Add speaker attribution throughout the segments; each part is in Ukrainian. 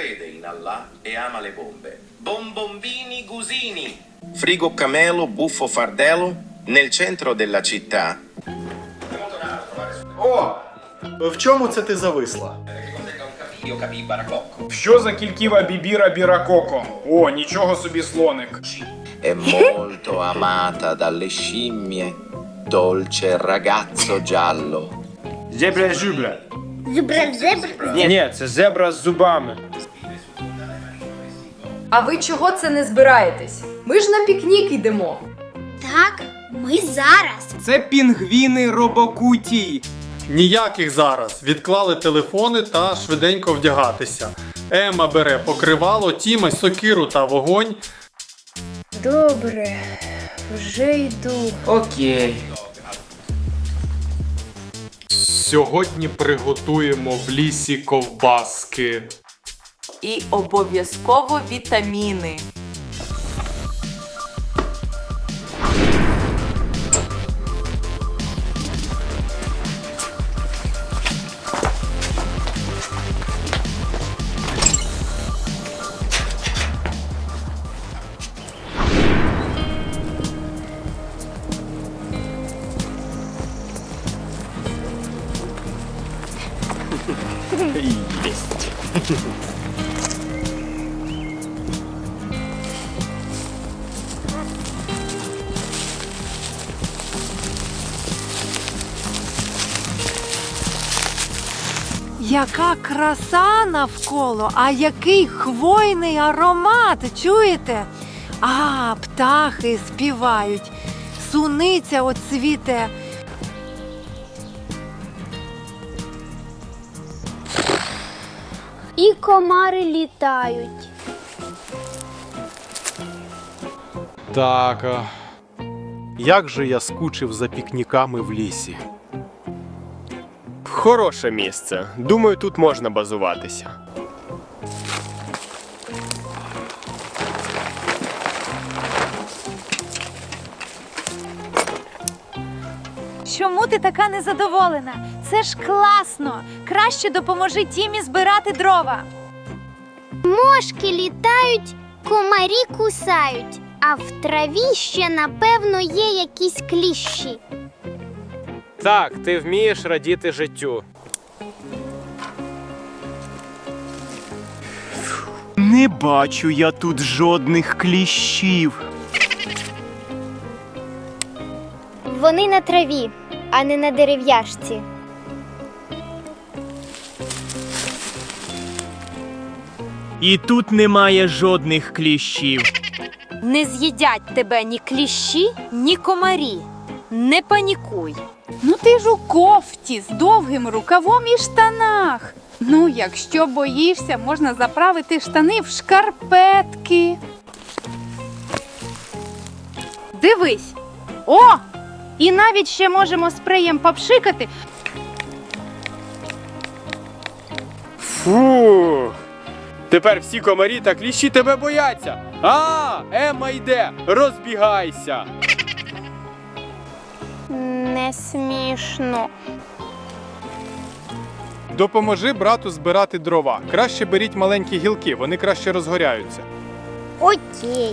Speaker 1: crede in Allah e ama le bombe. Bombombini Gusini. Frigo Camelo Buffo Fardello nel centro della città.
Speaker 2: О! В чому це ти зависла?
Speaker 1: Io capì baracocco.
Speaker 3: Що за кільківа бібіра біракоко? О, нічого собі слоник.
Speaker 1: È molto amata dalle scimmie. Dolce ragazzo giallo.
Speaker 3: Зебра-зюбра.
Speaker 4: Зубра-зебра.
Speaker 3: Ні, це зебра з зубами.
Speaker 5: А ви чого це не збираєтесь? Ми ж на пікнік йдемо.
Speaker 4: Так, ми зараз.
Speaker 6: Це пінгвіни робокутій.
Speaker 2: Ніяких зараз. Відклали телефони та швиденько вдягатися. Ема бере покривало, Тіма сокиру та вогонь.
Speaker 5: Добре, вже йду.
Speaker 6: Окей.
Speaker 2: Сьогодні приготуємо в лісі ковбаски.
Speaker 7: І обов'язково вітаміни.
Speaker 8: Яка краса навколо, а який хвойний аромат, чуєте? А, птахи співають, суниця оцвіте.
Speaker 4: І комари літають.
Speaker 2: Так, як же я скучив за пікніками в лісі.
Speaker 9: Хороше місце. Думаю, тут можна базуватися.
Speaker 8: Чому ти така незадоволена? Це ж класно! Краще допоможи Тімі збирати дрова.
Speaker 4: Мошки літають, комарі кусають, а в траві ще, напевно, є якісь кліщі.
Speaker 9: Так, ти вмієш радіти життю.
Speaker 6: Не бачу я тут жодних кліщів.
Speaker 4: Вони на траві, а не на дерев'яшці.
Speaker 6: І тут немає жодних кліщів.
Speaker 8: Не з'їдять тебе ні кліщі, ні комарі. Не панікуй.
Speaker 5: Ну ти ж у кофті з довгим рукавом і штанах. Ну, якщо боїшся, можна заправити штани в шкарпетки. Дивись. О! І навіть ще можемо спреєм попшикати.
Speaker 9: Фу! Тепер всі комарі та кліщі тебе бояться. А, Емма йде, розбігайся.
Speaker 4: Не смішно.
Speaker 2: Допоможи брату збирати дрова. Краще беріть маленькі гілки, вони краще розгоряються.
Speaker 4: Окей.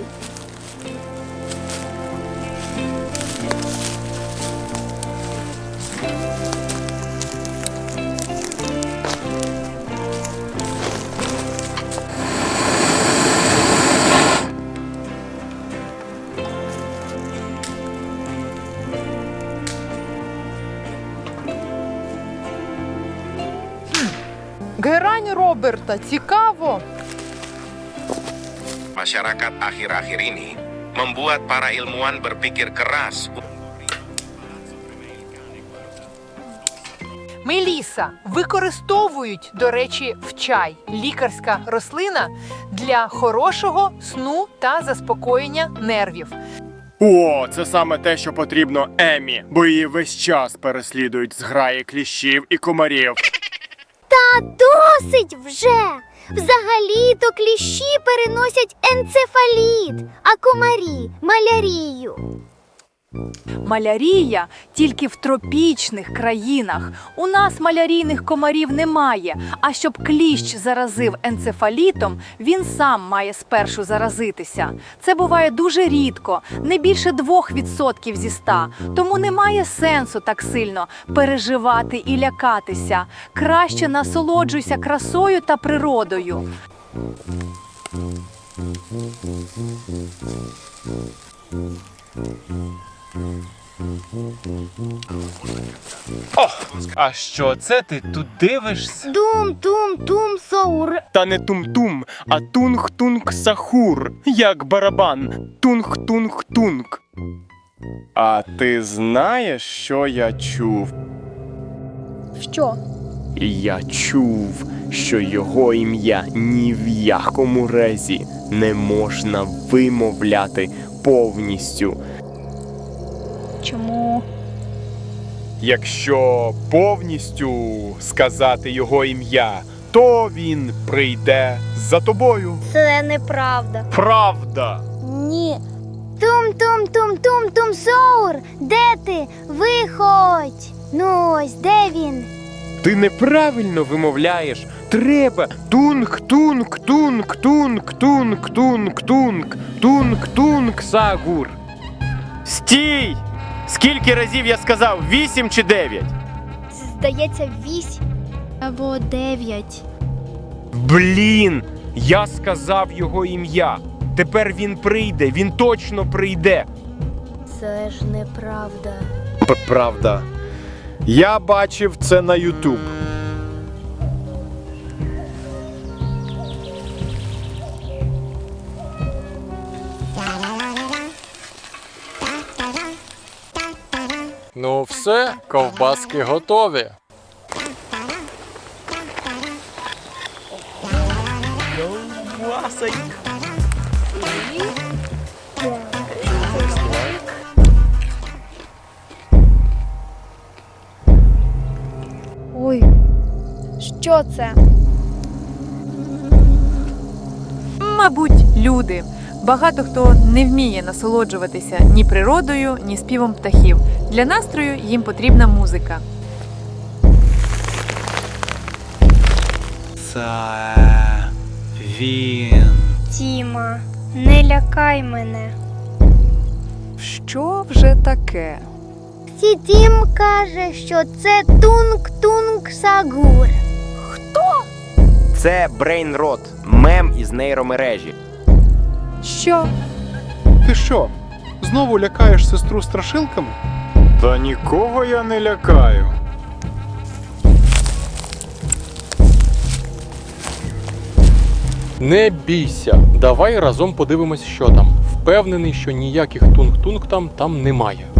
Speaker 5: Герань Роберта, цікаво.
Speaker 1: Masyarakat akhir-akhir ini membuat para ilmuwan berpikir keras.
Speaker 5: Меліса використовують, до речі, в чай, лікарська рослина, для хорошого сну та заспокоєння нервів.
Speaker 9: О, це саме те, що потрібно Еммі, бо її весь час переслідують зграї кліщів і комарів.
Speaker 4: Та досить вже! Взагалі-то кліщі переносять енцефаліт, а комарі – малярію.
Speaker 8: Малярія тільки в тропічних країнах. У нас малярійних комарів немає. А щоб кліщ заразив енцефалітом, він сам має спершу заразитися. Це буває дуже рідко, не більше 2% зі 100. Тому немає сенсу так сильно переживати і лякатися. Краще насолоджуйся красою та природою.
Speaker 6: А що це ти тут дивишся?
Speaker 4: Тум-тум-тум соур.
Speaker 6: Та не тум-тум, а тунг-тунг-сахур, як барабан. Тунг-тунг-тунг. А ти знаєш, що я чув?
Speaker 4: Що?
Speaker 6: Я чув, що його ім'я ні в якому разі не можна вимовляти повністю.
Speaker 8: Чому?
Speaker 6: Якщо повністю сказати його ім'я, то він прийде за тобою.
Speaker 4: Це неправда.
Speaker 6: Правда!
Speaker 4: Ні. Тум-тум-тум-тум-тум соур. Де ти? Виходь. Ну ось, де він?
Speaker 6: Ти неправильно вимовляєш. Треба тунг-тунг-тунг-тунг-тунг-тунг-тунг. Тунг-тунг-сагур. Стій! Скільки разів я сказав? 8 чи 9?
Speaker 4: Здається, 8 або 9.
Speaker 6: Блін! Я сказав його ім'я. Тепер він прийде, він точно прийде.
Speaker 4: Це ж неправда.
Speaker 9: Правда. Я бачив це на YouTube.
Speaker 2: Ну все, ковбаски готові.
Speaker 4: Ой, що це?
Speaker 5: Мабуть, люди. Багато хто не вміє насолоджуватися ні природою, ні співом птахів. Для настрою їм потрібна музика.
Speaker 6: Це він.
Speaker 4: Тіма, не лякай мене.
Speaker 5: Що вже таке?
Speaker 4: Тім каже, що це тунг-тунг-сагур.
Speaker 10: Це брейнрот, мем із нейромережі.
Speaker 5: Що?
Speaker 2: Ти що, знову лякаєш сестру страшилками?
Speaker 3: Та нікого я не лякаю.
Speaker 2: Не бійся, давай разом подивимось, що там. Впевнений, що ніяких тунг-тунг там немає.